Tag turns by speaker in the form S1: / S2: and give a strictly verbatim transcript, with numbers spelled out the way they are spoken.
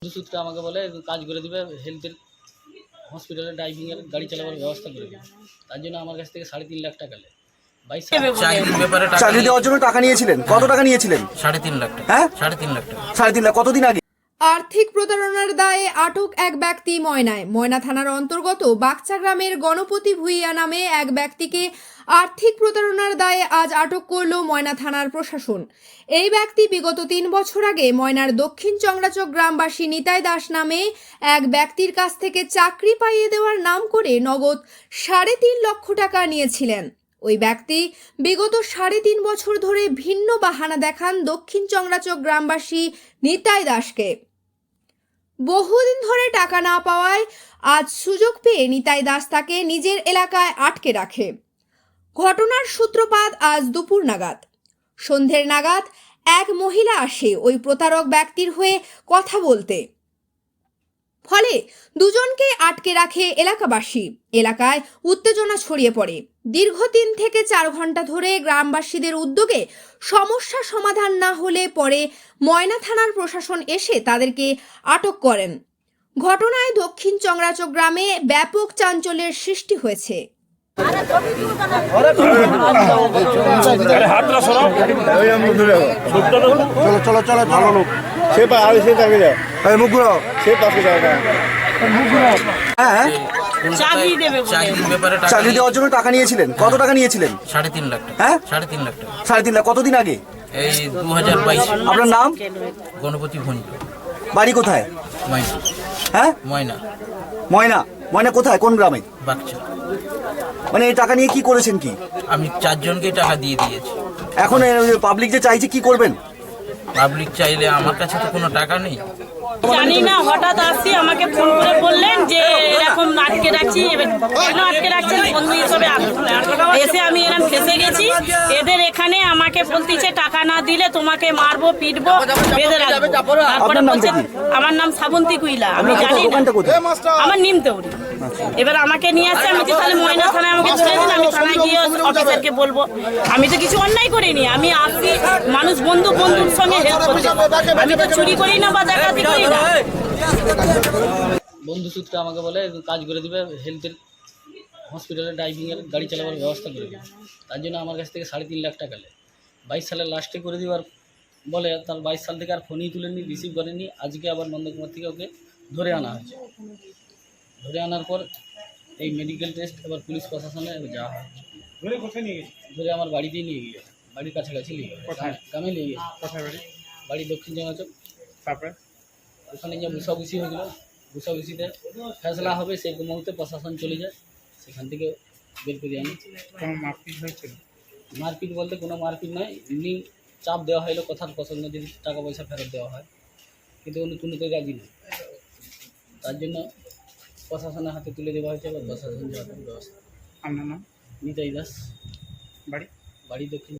S1: সূত্রে আমাকে বলে কাজ করে দিবে, হেলথের হসপিটালে ড্রাইভিংয়ের গাড়ি চালাবার ব্যবস্থা করে দিবে। তার জন্য আমার কাছ থেকে সাড়ে তিন লাখ টাকা নেয়। বাইশ
S2: চাকরির ব্যাপারে টাকা
S3: চাকরি দেওয়ার জন্য টাকা নিয়েছিলেন? কত টাকা নিয়েছিলেন?
S2: সাড়ে তিন লাখ টাকা।
S3: হ্যাঁ,
S2: সাড়ে তিন লাখ টাকা।
S3: সাড়ে তিন লাখ। কতদিন আগে?
S4: আর্থিক প্রতারণার দায়ে আটক এক ব্যক্তি ময়নায়। ময়না থানার অন্তর্গত বাগচা গ্রামের গণপতি ভুইয়া নামে এক ব্যক্তিকে আর্থিক প্রতারণার দায়ে আজ আটক করল ময়না থানার প্রশাসন। এই ব্যক্তি বিগত তিন বছর আগে ময়নার দক্ষিণ চংড়াচক গ্রামবাসী নিতাই দাস নামে এক ব্যক্তির কাছ থেকে চাকরি পাইয়ে দেওয়ার নাম করে নগদ সাড়ে তিন লক্ষ টাকা নিয়েছিলেন। ওই ব্যক্তি বিগত সাড়ে তিন বছর ধরে ভিন্ন বাহানা দেখান দক্ষিণ চংড়াচক গ্রামবাসী নিতাই দাসকে। বহুদিন ধরে টাকা না পাওয়ায় আজ সুযোগ পেয়ে নিতাই দাস তাকে নিজের এলাকায় আটকে রাখে। ঘটনার সূত্রপাত আজ দুপুর নাগাদ। সন্ধ্যের নাগাদ এক মহিলা আসে ওই প্রতারক ব্যক্তির হয়ে কথা বলতে, ফলে দুজনকে আটকে রাখে এলাকাবাসী। এলাকায় উত্তেজনা ছড়িয়ে পড়ে। দীর্ঘ তিন থেকে চার ঘন্টা ধরে গ্রামবাসীদের উদ্যোগে সমস্যা সমাধান না হলে পরে ময়না থানার প্রশাসন এসে তাদেরকে আটক করেন। ঘটনায় দক্ষিণ চংড়াচক গ্রামে ব্যাপক চাঞ্চল্যের সৃষ্টি হয়েছে।
S3: চলো চলো চলো ভালো লোক
S5: সে পা আর সে থাকে যায়
S3: এই মুখগুলো
S5: সে পাশে যায় না।
S3: হ্যাঁ,
S2: চাকরির ব্যাপারে টাকা
S3: চাকরি দেওয়ার জন্য টাকা নিয়েছিলেন? কত টাকা নিয়েছিলেন?
S2: সাড়ে তিন লাখ টাকা।
S3: হ্যাঁ,
S2: সাড়ে তিন লাখ টাকা।
S3: সাড়ে তিন লাখ। কতদিন আগে?
S2: এই দু হাজার বাইশ।
S3: আপনার নাম?
S2: গণপতি ভুঁইয়া।
S3: বাড়ি কোথায়?
S2: ময়না।
S3: হ্যাঁ,
S2: ময়না
S3: ময়না। ময়না কোথায়, কোন গ্রামে?
S2: বাগচা।
S3: মানে এই টাকা নিয়ে কি করেছেন? কি
S2: আমি চারজনকে টাকা দিয়ে দিয়েছি।
S3: এখন পাবলিক যে চাইছে কি করবেন?
S2: পাবলিক চাইলে আমার কাছে তো কোনো টাকা নেই।
S6: জানি না, হঠাৎ আসছি, আমাকে ফোন করে বললেন যে এরকম আটকে রাখছি। কেন আটকে রাখছেন? বন্ধু হিসেবে এসে আমি এরকম ফেসে গেছি। এদের এখানে আমাকে বলতেছে টাকা না দিলে তোমাকে মারবো, পিটবো, বেঁধে রাখবো। তারপরে বলছে, আমার নাম শ্রাবন্তী কুইলা, আমি জানি না, আমার নিমতৌরি। এবার আমাকে নিয়ে আসছে, আমি তো তাহলে ময়না থানায় আমাকে তুলে দিন, আমি থানায় গিয়ে অফিসারকে বলবো। আমি তো কিছু অন্যায় করিনি, আমি আসছি মানুষ বন্ধু বন্ধুর সঙ্গে হেল্প করছি। আমি তো চুরি করি না বা ডাকাতি করি না।
S1: বন্ধু সূত্রে আমাকে বলে কাজ করে দিবে, হেলথের হসপিটালে ড্রাইভিংয়ের গাড়ি চালাবার ব্যবস্থা করে দিবে। তার জন্য আমার কাছ থেকে সাড়ে তিন লাখ টাকা নেয়। বাইশ সালের লাস্টে করে দেওয়ার বলে, তার বাইশ সাল থেকে আর ফোনই তুলেনি, রিসিভ করেনি। আজকে আবার নন্দকুমার থেকে ওকে ধরে আনা হয়েছে। ধরে আনার পর এই মেডিকেল টেস্ট এবার পুলিশ প্রশাসনে যাওয়া হয়। ধরে আমার বাড়িতেই নিয়ে গিয়ে, বাড়ির কাছাকাছি নিয়ে গিয়ে, গ্রামে নিয়ে গিয়ে। বাড়ি দক্ষিণ চংড়াচক। তারপরে ওখানে যে বুসাবুসি হয়েছিল, বুসাবুসিতে ফেসলা হবে সেই মুহূর্তে প্রশাসন চলে যায়, সেখান থেকে বের করে আনি।
S5: কোনো মারপিট হয়েছিল?
S1: মারপিট বলতে কোনো মারপিট নয়, এমনি চাপ দেওয়া হলো কথার প্রসঙ্গে, যদি টাকা পয়সা ফেরত দেওয়া হয়, কিন্তু উনি কোনোতে রাজি নেই। তার জন্য প্রশাসনের হাতে তুলে দেওয়া হয়েছে। এবার প্রশাসন যাওয়ার ব্যবস্থা।
S5: আপনার নাম?
S1: নিতাই দাস।
S5: বাড়ি?
S1: বাড়ি দক্ষিণ।